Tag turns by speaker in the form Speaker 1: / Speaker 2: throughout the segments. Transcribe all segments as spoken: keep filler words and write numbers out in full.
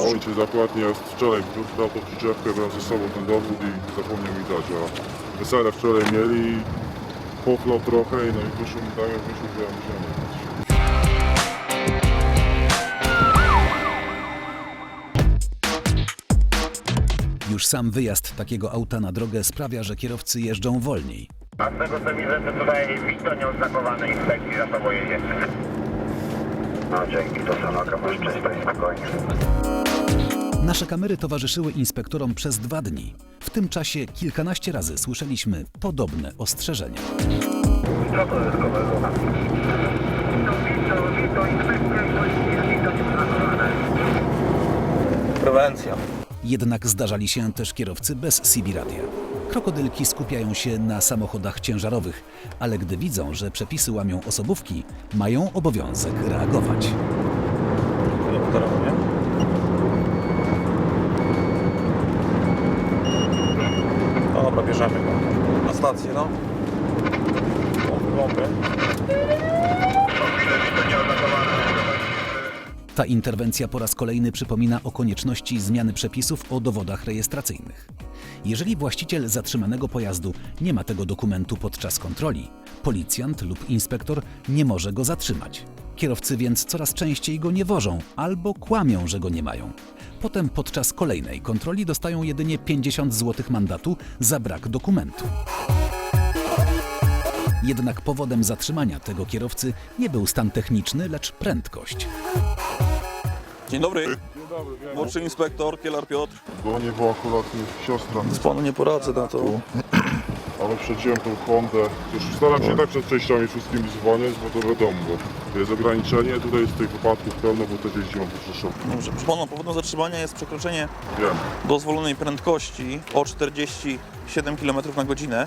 Speaker 1: Ojciec dokładnie, ja wczoraj dał tą przyczepkę, brałem ze sobą ten dowód i zapomniał mi dać, a wesele wczoraj mieli, poflał trochę i no i wyszło mi tak, jak wyszło, że ja musiałem jechać.
Speaker 2: Już sam wyjazd takiego auta na drogę sprawia, że kierowcy jeżdżą wolniej.
Speaker 3: A z tego co widzę, to tutaj Wito nieoznakowany inspekcji za tobą jedzie. No dzięki, to Sanoka, masz czysto i spokojnie.
Speaker 2: Nasze kamery towarzyszyły inspektorom przez dwa dni. W tym czasie kilkanaście razy słyszeliśmy podobne ostrzeżenia.
Speaker 3: Co to jest kolega? Wito, Wito, Wito, inspekcja i policja, Wito nieoznakowane.
Speaker 4: Prewencja.
Speaker 2: Jednak zdarzali się też kierowcy bez C B radia. Krokodylki skupiają się na samochodach ciężarowych, ale gdy widzą, że przepisy łamią osobówki, mają obowiązek reagować.
Speaker 4: Dobra, bierzemy go. Na stację, no. O, wygląda.
Speaker 2: Ta interwencja po raz kolejny przypomina o konieczności zmiany przepisów o dowodach rejestracyjnych. Jeżeli właściciel zatrzymanego pojazdu nie ma tego dokumentu podczas kontroli, policjant lub inspektor nie może go zatrzymać. Kierowcy więc coraz częściej go nie wożą albo kłamią, że go nie mają. Potem podczas kolejnej kontroli dostają jedynie pięćdziesiąt złotych mandatu za brak dokumentu. Jednak powodem zatrzymania tego kierowcy nie był stan techniczny, lecz prędkość.
Speaker 4: Dzień dobry.
Speaker 1: Dzień dobry, wiem.
Speaker 4: Młodszy inspektor, Kielar Piotr.
Speaker 1: Bo nie była akurat siostra,
Speaker 4: Z panu nie poradzę na to.
Speaker 1: ale przedziłem tą Hondę. Już staram się tak przed przejściami wszystkimi zwalniać, bo to wiadomo, bo jest ograniczenie, tutaj jest tych wypadków pełno, bo też jeździłem po Rzeszowie.
Speaker 4: Dobrze, proszę pana, powodem zatrzymania jest przekroczenie
Speaker 1: Wiem.
Speaker 4: dozwolonej prędkości o czterdzieści siedem kilometrów na godzinę.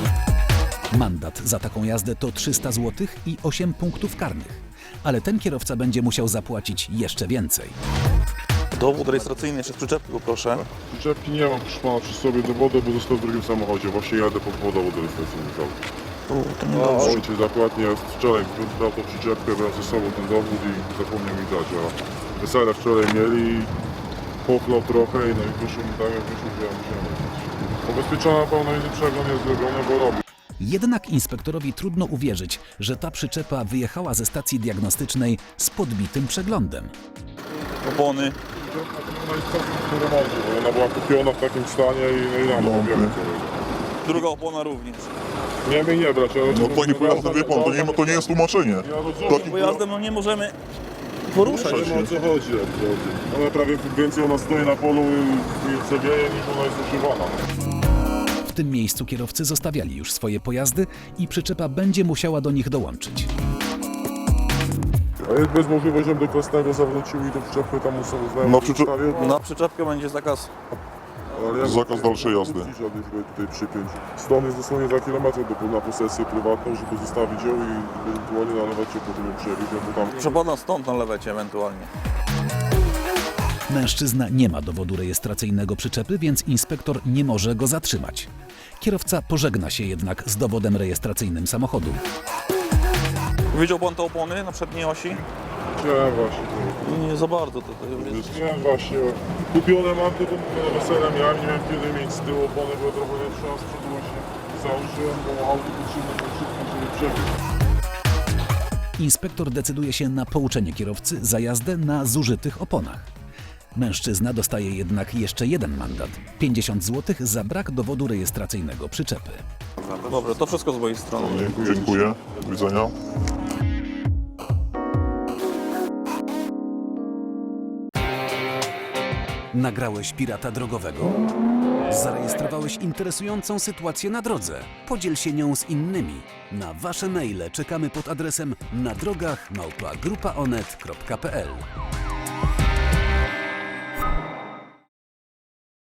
Speaker 2: Mandat za taką jazdę to trzysta złotych i osiem punktów karnych. Ale ten kierowca będzie musiał zapłacić jeszcze więcej.
Speaker 4: Dowód rejestracyjny jeszcze z przyczepki, poproszę.
Speaker 1: Przyczepki nie mam, proszę pana, przy sobie dowodu, bo został w drugim samochodzie. Właśnie jadę po dowód rejestracyjny.
Speaker 4: Tu, to nie dobrze.
Speaker 1: Ojciec dokładnie, ja wczoraj dał tą przyczepkę, brałem ze sobą ten dowód i zapomniał mi dać, a wesele wczoraj mieli, poflał trochę i no i wyszło mi tak, jak wyszło, że ja musiałem jechać. Ubezpieczona pełna jest przegląd jest zrobiony, bo robi.
Speaker 2: Jednak inspektorowi trudno uwierzyć, że ta przyczepa wyjechała ze stacji diagnostycznej z podbitym przeglądem.
Speaker 4: Opony.
Speaker 1: Ona jest całkiem po remoncie, bo ona była kupiona w takim stanie i no i nam no, wiemy co.
Speaker 4: Druga opona również.
Speaker 1: Nie wiem, nie brać, ale...
Speaker 5: No taki pojazdem, wie pan, to nie, to nie jest tłumaczenie.
Speaker 1: Ja rozumiem,
Speaker 5: Takim
Speaker 4: Pojazdem no nie możemy poruszać
Speaker 1: nie
Speaker 4: się.
Speaker 1: wiem o co chodzi. jak to chodzi. Ona prawie więcej ona stoi na polu i, i co wieje, niż ona jest używana.
Speaker 2: W tym miejscu kierowcy zostawiali już swoje pojazdy i przyczepa będzie musiała do nich dołączyć.
Speaker 1: A jest bez możliwości, żebym do Krasnego zawrócił i do przyczepy tam muszę znaleźć.
Speaker 5: Na przyczep-
Speaker 4: Na przyczepkę będzie zakaz.
Speaker 5: Zakaz dalszej jazdy.
Speaker 1: Tutaj przypiąć. Stąd jest dosłownie dwa kilometry do, na posesję prywatną, żeby zostawić ją i ewentualnie nalewać się potem ją przewieźć, bo tam...
Speaker 4: Proszę pana, stąd na lewecie ewentualnie.
Speaker 2: Mężczyzna nie ma dowodu rejestracyjnego przyczepy, więc inspektor nie może go zatrzymać. Kierowca pożegna się jednak z dowodem rejestracyjnym samochodu.
Speaker 4: Widział pan te opony na przedniej osi?
Speaker 1: Nie, właśnie.
Speaker 4: Nie za bardzo. To, to jest...
Speaker 1: Nie, właśnie. Kupione mam, tylko na wesele miałem, nie wiem kiedy mieć z tyłu opony, bo trochę nie trzeba z przodu właśnie założyłem, bo auto potrzebne tak szybko, żeby przebiec.
Speaker 2: Inspektor decyduje się na pouczenie kierowcy za jazdę na zużytych oponach. Mężczyzna dostaje jednak jeszcze jeden mandat – pięćdziesiąt złotych za brak dowodu rejestracyjnego przyczepy.
Speaker 4: Dobrze, to wszystko z mojej strony.
Speaker 5: Dziękuję. Dziękuję. Do widzenia.
Speaker 2: Nagrałeś pirata drogowego? Zarejestrowałeś interesującą sytuację na drodze? Podziel się nią z innymi. Na wasze maile czekamy pod adresem na drogach małpa grupa onet kropka p l.